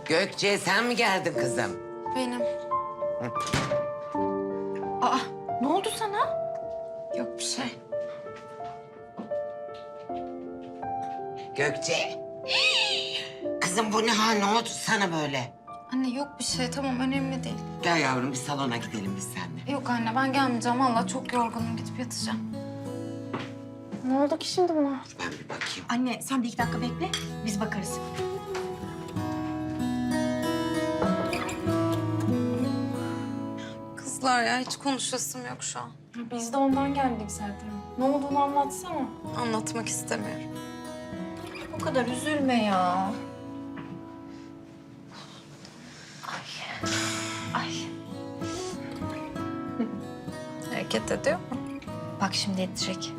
Gökçe sen mi geldin kızım? Benim. Aa, ne oldu sana? Yok bir şey. Gökçe. Kızım bu ne hal, ne oldu sana böyle? Anne yok bir şey, tamam önemli değil. Gel yavrum bir salona gidelim biz seninle. Yok anne ben gelmeyeceğim. Vallahi çok yorgunum, gidip yatacağım. Ne oldu ki şimdi buna? Ben bir bakayım. Anne sen de 2 dakika bekle, biz bakarız. Kızlar ya hiç konuşasım yok şu an. Biz de ondan geldik zaten. Ne olduğunu anlatsana. Anlatmak istemiyorum. O kadar üzülme ya. Ay. Hareket ediyor mu? Bak şimdi edecek.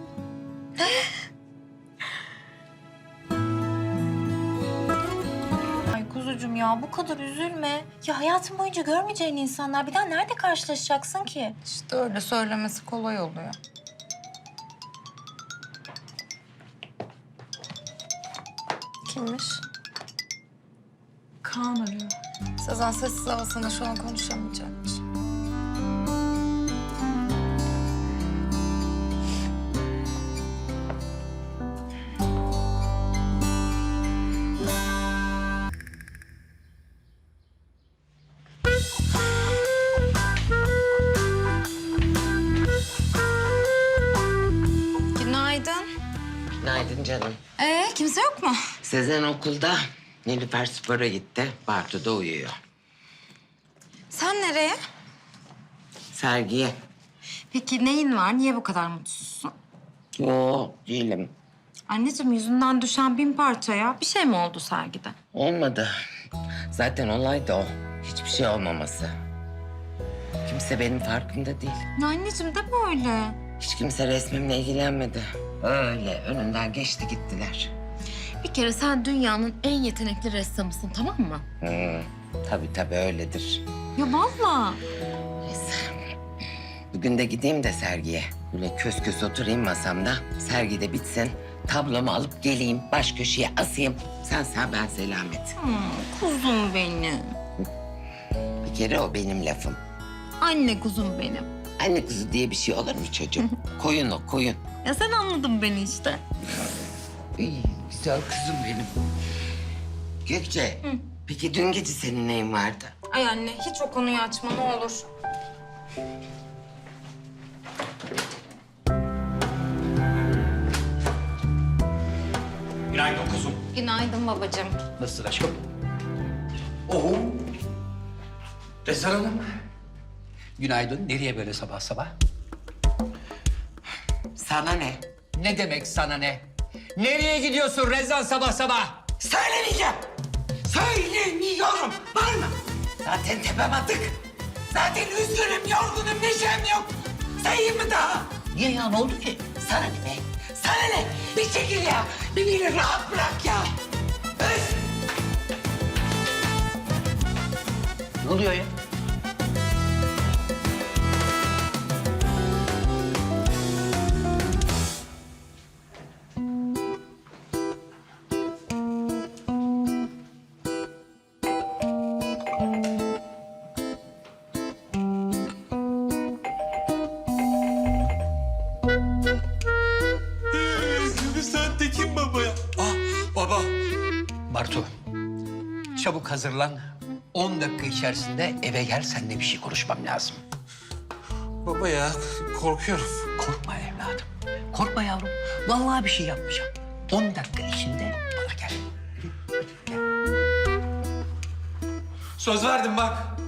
Ay kuzucuğum ya bu kadar üzülme. Ya hayatın boyunca görmeyeceğin insanlar bir daha nerede karşılaşacaksın ki? İşte öyle söylemesi kolay oluyor. Kimmiş? Kaan arıyor. Sezen sessiz havasında şu an konuşamayacakmış. Günaydın. Günaydın canım. Kimse yok mu? Sezen okulda. Nilüfer spora gitti. Bartu da uyuyor. Sen nereye? Sergiye. Peki neyin var? Niye bu kadar mutsuzsun? Yo değilim. Anneciğim yüzünden düşen 1000 parçaya bir şey mi oldu sergide? Olmadı. Zaten olay da o. Hiçbir şey olmaması. Kimse benim farkında değil. Ya anneciğim de böyle. Hiç kimse resmimle ilgilenmedi. Öyle önünden geçti gittiler. Bir kere sen dünyanın en yetenekli ressamısın, tamam mı? Tabii öyledir. Ya vallahi. Neyse. Bugün de gideyim de sergiye. Böyle kös kös oturayım masamda. Sergi de bitsin. Tablomu alıp geleyim. Baş köşeye asayım. Sen sağ ben selamet. Kuzum benim. Bir kere o benim lafım. Anne kuzum benim. Anne kuzu diye bir şey olur mu çocuğum? Koyun o koyun. Ya sen anladın beni işte. İyi, güzel kızım benim. Gökçe, peki dün gece senin neyin vardı? Ay anne hiç o konuyu açma ne olur. Günaydın kuzum. Günaydın babacığım. Nasılsın aşkım? Oo. Rezan Hanım. Günaydın. Nereye böyle sabah sabah? Sana ne? Ne demek sana ne? Nereye gidiyorsun Rezan sabah sabah? Söylemeyeceğim. Söylemiyorum. Var mı? Zaten tepem atık. Zaten üzgünüm, yorgunum, neşem yok. Sayayım mı daha? Niye ya? Ne oldu ki? Sana ne be? Sana ne? Bir çekil ya. Beni rahat bırak ya. Öf! Ne oluyor ya? Sen Tekin baba ya. Ah baba. Bartu, çabuk hazırlan. 10 dakika içerisinde eve gel. Seninle bir şey konuşmam lazım. Baba ya korkuyorum. Korkma evladım. Korkma yavrum. Vallahi bir şey yapmayacağım. 10 dakika içinde bana gel. Söz verdim bak.